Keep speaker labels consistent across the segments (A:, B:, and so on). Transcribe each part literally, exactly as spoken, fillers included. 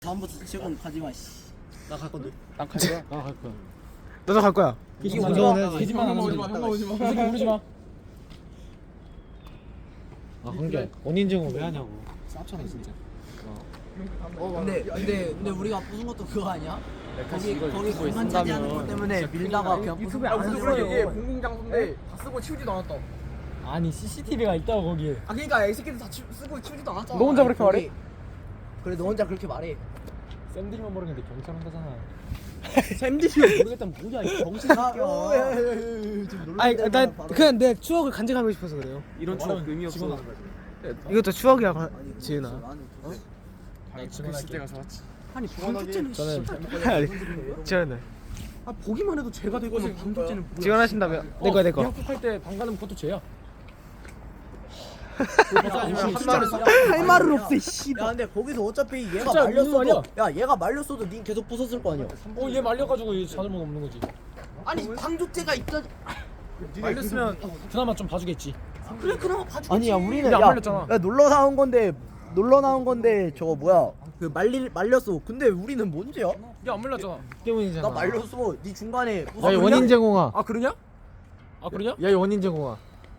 A: 다음부터 지금 가지마 씨.
B: 나 갈 건데.
C: 난 갈 거야.
B: 나 갈 거야.
C: 너도 갈 거야.
A: 이게
B: 나
A: 오지
B: 저는
A: 마.
B: 거짓말 안
A: 오지
B: 하는
A: 마.
B: 거.
A: 오지 마.
B: 이 새끼 모르지 마. 아, 한게 원인 제공 왜 하냐고. 쌉잖아 진짜.
A: 근데 근데 근데 우리가 부순 것도 그거 아니야? 거기
B: 이걸
A: 거기
B: 쓰고
A: 공간 차지하는 것
B: 있었다면
A: 때문에 밀다가 그냥 부순
D: 야
A: 안
D: 무슨
A: 하는
D: 소리야 이게
A: 거예요.
D: 공공장소인데 다 쓰고 치우지도 않았다.
B: 아니 씨씨티비가 있다고 거기에.
D: 아 그러니까 이 새끼들 다 치, 쓰고 치우지도 않았잖아.
C: 너 혼자 그렇게
A: 거기-
C: 말해?
A: 그래 너 혼자 그렇게 말해.
B: 쌤들만 모르는데 경찰 한다잖아.
A: 쌤들이 모르겠다면 뭐야 이 병신
D: 아,
A: 새끼야.
D: 어, 예, 예, 예, 예, 좀 놀라.
C: 아니 나 그냥 내 추억을 간직하고 싶어서 그래요.
A: 이런 추억 의미 없어.
C: 이것도 추억이야, 가- 지은아.
B: 나 질문할 때 가서 왔지.
A: 아니 방조제는
B: 저는
C: 아니, 지은아.
A: 아 보기만 해도 죄가 되고는 방조제는 뭐야?
C: 지원하신다면 내 거야 내 거.
B: 미역국 할때 방가는 그것도 죄야.
A: 할 말은 없어 이 씨발. 야 근데 거기서 어차피 얘가
B: 진짜 무슨 말이야?
A: 말렸어도 야 얘가 말렸어도 닌 계속 부쉈을 거 아니야.
B: 어, 얘 말려가지고 이 자존감 없는 거지.
A: 아니 방조제가 있다.
B: 말렸으면 그나마 좀 봐주겠지.
A: 그래 그나마 봐주겠지. 아니야 우리는
B: 근데 안
A: 야,
B: 말렸잖아.
A: 야 놀러 나온 건데 놀러 나온 건데 저거 뭐야 그 말리 말렸어. 근데 우리는 뭔지야?
B: 야, 안 말렸잖아.
C: 때문이잖아.
A: 나 말렸어. 네 중간에
C: 야, 이 원인 제공아.
B: 아, 그러냐? 아, 그러냐?
C: 야, 이 원인 제공아.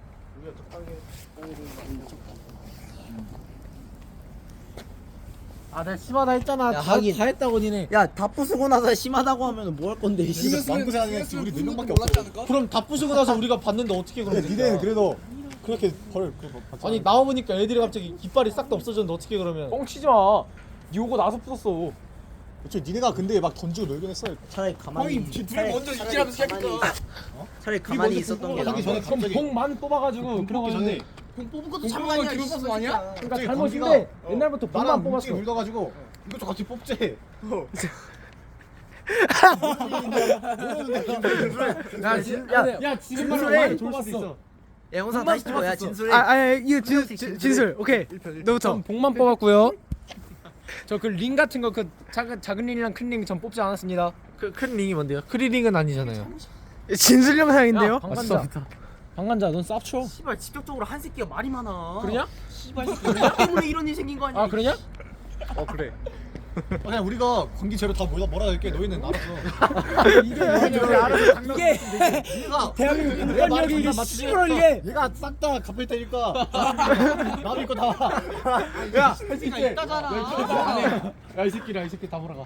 C: 아, 내가 심하다 했잖아.
A: 야,
C: 다,
A: 하긴.
C: 다 했다고 니네.
A: 야다 부수고 나서 심하다고 하면 뭐 할 건데? 씨.
D: 망고사 아니야? 우리 네 명밖에 없어.
C: 그럼 다 부수고 나서 우리가 봤는데 어떻게 그러면
D: 근데 니네는 그래도 그렇게 벌 그거 받지
C: 아니 나와보니까 애들이 갑자기 깃발이 싹 다 없어졌는데 어떻게 그러면?
B: 뻥치지 마. 니 오고 나서 부쉈어.
D: 그치 니네가 근데 막 던지고 놀긴 했어.
A: 차라리 가만히.
D: 둘이
A: 차라리-
D: 먼저
A: 차라리
D: 이지라면서
A: 가만히-
D: 시작했다.
A: 차라리 가만히 있었던 게
D: 하기
A: 나아.
D: 전에
B: 그럼
D: 갑자기
B: 봉만 뽑아가지고
D: 뽑기 전에
A: 뽑은 것도
D: 참 아니야. 기분 뽑은 거 아니야?
B: 그러니까
D: 갑자기
B: 잘못인데
D: 건기가,
B: 옛날부터
D: 어,
B: 봉만
D: 나랑
B: 뽑았어.
D: 문지가 울다가지고 이것도 같이 뽑지.
C: 야, 진, 야,
B: 야, 지금 말로
C: 진술해.
B: 많이 좋을 수도 있어.
A: 야 영상 다시 찍어. 야 진술해.
C: 아, 아, 이거 진, 진, 진술. 오케이. 너부터.
B: 전 복만 뽑았고요. 저 그 링 같은 거 그 작은 작은 링이랑 큰 링 전 뽑지 않았습니다.
C: 그 큰 링이 뭔데요? 크리링은 아니잖아요. 진술 영상인데요?
B: 야, 방관자. 방관자, 넌 쌉쳐.
A: 씨발 직접적으로 한 새끼가 말이 많아.
B: 그러냐?
A: 씨발 너 때문에 이런 일 생긴 거 아니야?
B: 아, 그러냐?
D: 어 그래. 그냥 우리가 관계 재료 다 몰아 몰아 될게 너희는 알았어.
B: 이게 이게
D: 얘가
B: 대한민국
D: 내
B: 인권력이
D: 말을
B: 이게
D: 존나
B: 씨발 이게.
D: 얘가 싹 다 갚을 테니까 나도 이거 다.
B: 야, 이 새끼 있다잖아. 야, 이 새끼라, 이 새끼 다 몰아가.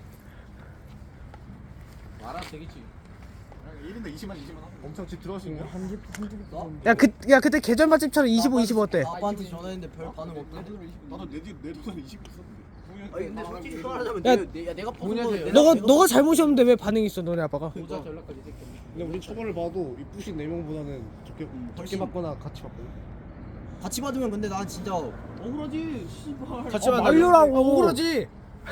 D: 알아 되겠지. 일 인당 이십만 이십만 엄청 집 들어갈 수 있냐?
C: 야, 그, 야, 그때 계절 맛집처럼 이십오, 이십오 어때?
A: 아빠한테 전화했는데 별 반응 없대.
D: 나도 내집내 돈은 이십 있었는데.
A: 아니 근데 솔직히 말하자면
C: 야,
A: 내, 내, 야, 내가 보는 거
C: 너가 너가 잘못이 없는데 왜 반응이 있어, 너네 아빠가?
D: 근데 우리 처벌을 봐도 이 부신 네 명보다는 적게 적게 받거나 같이 받거든.
A: 같이 받으면 근데 난 진짜 억울하지. 씨발.
C: 같이
B: 어,
C: 만
B: 말려라고.
C: 억울하지.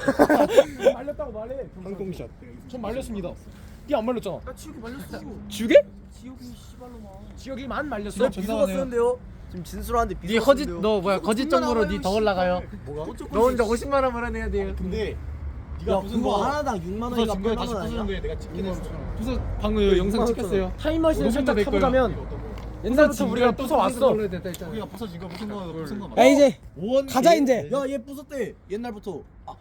B: 말렸다고 말해.
D: 항공샷.
B: 전 말렸습니다. 니 안 말렸잖아.
A: 나 지옥이 말렸어.
B: 지우개?
A: 지옥이 씨발로만.
B: 지우개만 말렸어.
A: 너 비서가 쓰는데요? 지금 진술하는데
C: 네
A: 비서가
C: 허짓
A: 쓰는데요?
C: 너 뭐야 거짓 정보로 네 더 올라가요.
D: 뭐가?
C: 너 혼자 오십만 원 벌어내야 돼요.
D: 근데
A: 야
D: 네가 부순
A: 그거
D: 거
A: 하나당 육만
D: 부서
A: 원이가
D: 증거에
A: 팔만
D: 다시
A: 원 아니야?
D: 부수는데 내가 찍긴 했어.
B: 부서 방금 영상 찍혔어요. 타임머신을 살짝
C: 내 거야.
B: 타보자면 옛날부터 우리가 부숴 왔어.
D: 우리가 부서진 거 부순 거 부순 거
C: 야 이제
D: 오원
C: 가자 이제.
A: 야얘 부쉈대 옛날부터. 아,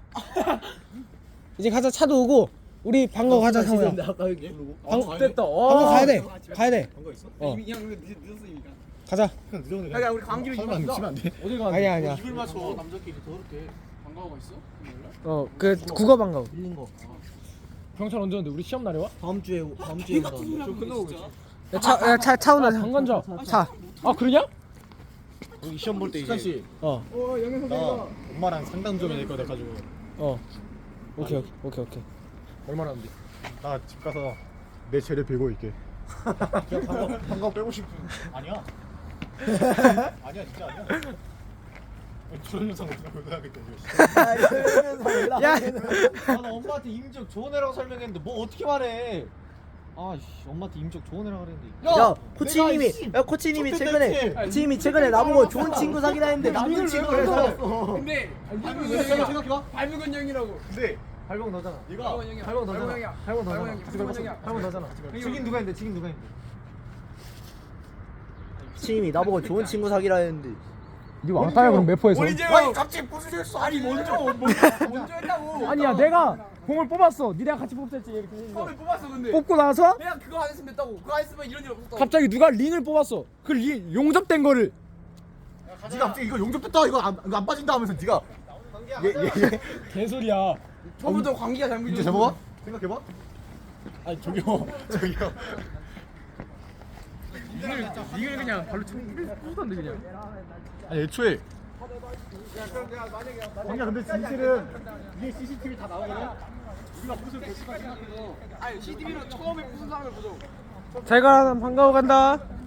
C: 이제 가자 차도 오고 우리 방거 가자 상호야.
A: 근데 아까 여기 부르고.
B: 방 됐다.
C: 방거 가야 돼. 가야 돼.
D: 한거 있어?
C: 어.
D: 이미 그냥 늦었으니까.
C: 가자.
D: 그냥 늦었네.
A: 야, 야, 우리 감기로
D: 설마
A: 이만
D: 미치면 안 돼?
B: 어디 가?
C: 아니야 아니야.
D: 입을 맞춰 남자끼리 더럽게 반가워가 있어?
C: 어 그 국어 방거.
A: 밀린 거.
B: 경찰 언제 오는데? 우리 시험 날에 와?
A: 다음 주에 다음 주에 온다는데.
D: 좀 끝나고 있어.
C: 차차 차오나
B: 방관자.
C: 차.
B: 아, 그러냐?
D: 우리 시험 볼 때 이제
B: 씨.
C: 어.
D: 나 엄마랑 상담 좀 해야 될 거 돼가지고
C: 어. 오케이 오케이 오케이 오케이.
B: 얼마나 하는데?
D: 나 집 가서 내 죄를 빌고 있게. 그냥 방거 방거 빼고 싶은. 아니야. 아니야 진짜 아니야. 저런 영상 어떻게 보여야겠다 이거.
C: 야.
E: 아, 나 엄마한테 임적 좋은 애라고 설명했는데 뭐 어떻게 말해? 아씨 엄마한테 임적 좋은 애라고 그랬는데.
A: 야 코치님이 야 코치님이 최근에 코치님이 최근에 나보고 좋은 친구 사귀라 했는데 나쁜 친구를 사귀었어.
D: 근데 생각해봐.
E: 발무근 형이라고.
D: 근데
E: 발목 너잖아.
D: 얘가
E: 발목 너잖아.
D: 형이야.
E: 발목 너잖아.
D: 형이야.
E: 같이 걸었어.
D: 형이야.
E: 발목 너잖아. 지긴 누가 했는데? 지긴 누가 했는데?
A: 코치님이 나보고 좋은 친구 사귀라 했는데
B: 네 왕따야 그럼 매포에서.
D: 아니 갑자기 부수셨어. 아니 먼저
F: 먼저 했다고.
B: 아니야 내가 공을 뽑았어. 니네가 같이 뽑았지. 이렇게 해서.
F: 처음에 뽑았어 근데.
B: 뽑고 나서
F: 그냥 그거 안 했으면 됐다고. 그거 안 했으면 이런 일 없었다고.
B: 갑자기 누가 링을 뽑았어. 그 링, 용접된 거를.
D: 네가 갑자기 이거 용접됐다 이거 안, 이거 안 빠진다 하면서 네가 얘얘얘
B: 개소리야.
F: 처음부터 관계가
D: 이제
F: 잘못이었어.
D: 잡아봐. 생각해봐.
B: 아니 저기요.
D: 저기요.
B: 링을 링을 그냥 발로 쳐부수던데 그냥.
D: 아니 애초에 아니야 근데 진실은 위에 씨씨티비 다 나오거든. 우리가 무슨 대시가 생각해서
F: 아니 씨티비로 처음에 무슨 사람을 보죠.
C: 잘 가. 난 반가워 간다.